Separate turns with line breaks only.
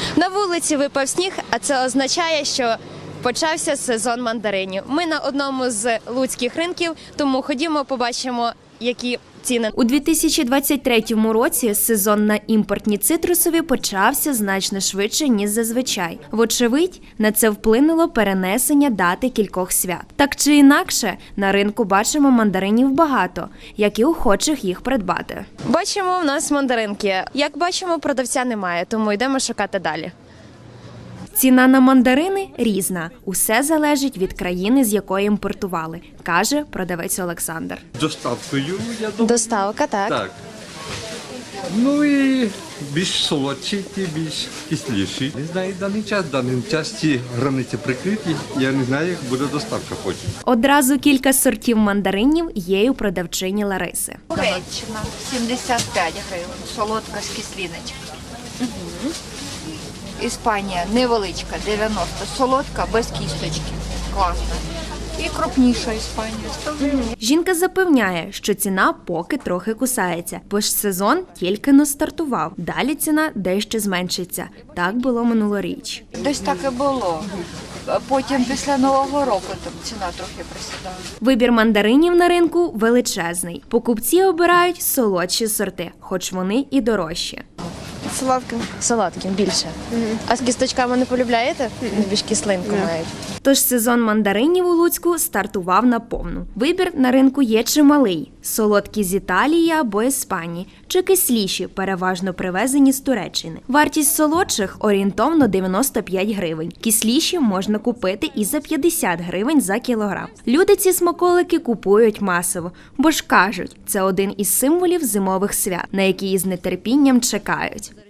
На вулиці випав сніг, а це означає, що почався сезон мандаринів. Ми на одному з луцьких ринків, тому ходімо, побачимо, які ціни. У 2023 році сезон на імпортні цитрусові почався значно швидше, ніж зазвичай. Вочевидь, на це вплинуло перенесення дати кількох свят. Так чи інакше, на ринку бачимо мандаринів багато, як і охочих їх придбати. Бачимо в нас мандаринки. Як бачимо, продавця немає, тому йдемо шукати далі. Ціна на мандарини різна. Усе залежить від країни, з якої імпортували, каже продавець Олександр.
Доставкою, я думаю.
Доставка, так.
Так. Ну і більш солодші, ті більш кисліші. Не знаю, даний час ці границі прикриті. Я не знаю, як буде доставка потім.
Одразу кілька сортів мандаринів є у продавчині Лариси.
Туреччина 75 гривень, солодка з кислиночкою. Іспанія невеличка, 90, солодка без кісточки. Класна. І крупніша Іспанія, 100 гривень.
Жінка запевняє, що ціна поки трохи кусається, бо ж сезон тільки не стартував. Далі ціна дещо зменшиться. Так було минулоріч.
Десь так і було. Потім після Нового року там ціна трохи присідала.
Вибір мандаринів на ринку величезний. Покупці обирають солодші сорти, хоч вони і дорожчі.
Солодким.
Солодким більше. А з кісточками не полюбляєте? Більш кислинку мають. Тож сезон мандаринів у Луцьку стартував наповну. Вибір на ринку є чималий. Солодкі з Італії або Іспанії, чи кисліші, переважно привезені з Туреччини. Вартість солодших орієнтовно 95 гривень. Кисліші можна купити і за 50 гривень за кілограм. Люди ці смаколики купують масово, бо ж кажуть, це один із символів зимових свят, на які із нетерпінням чекають.